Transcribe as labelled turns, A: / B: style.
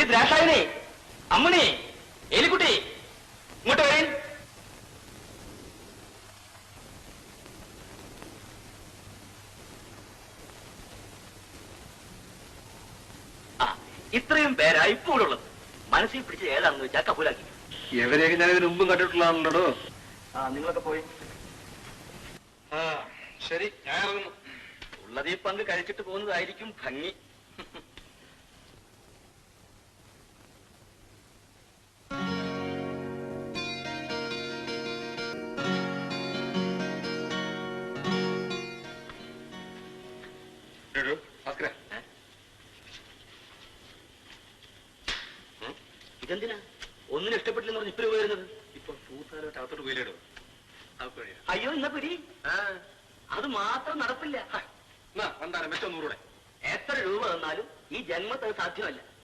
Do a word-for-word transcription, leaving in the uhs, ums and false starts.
A: ദ്രാക്ഷായനെ, അമ്മണി, എലിക്കുട്ടി, ഇങ്ങോട്ട് വരേൻ. ആ, ഇത്രയും പേരാ ഇപ്പോഴുള്ളത്. മനസ്സിൽ പിടിച്ച് ഏതാണെന്ന് വെച്ചാൽ കബൂലാക്കി.
B: എവരെയൊക്കെ ഞാൻ ഇതിന് മുമ്പും കണ്ടിട്ടുള്ളതാണല്ലോ.
A: ആ, നിങ്ങളൊക്കെ പോയി.
B: ആ ശരി, ഞാൻ ഇറങ്ങുന്നു.
A: ഉള്ളത് ഈ പങ്ക് കഴിച്ചിട്ട് പോകുന്നതായിരിക്കും ഭംഗി. ഇതെന്തിനാ ഒന്നിനും ഇഷ്ടപ്പെട്ടില്ലെന്ന് പറഞ്ഞ് ഇപ്പഴും വരുന്നത്?
B: ഇപ്പൊ പൂത്താലോട്ട് അകത്തോട്ട് പോയില്ലേടോ.
A: അയ്യോ, ഇന്ന പിരി അത് മാത്രം നടപ്പില്ല.
B: വന്താരം വെച്ചോ നൂറൂടെ.
A: എത്ര രൂപ തന്നാലും ഈ ജന്മത്ത് സാധ്യമല്ല.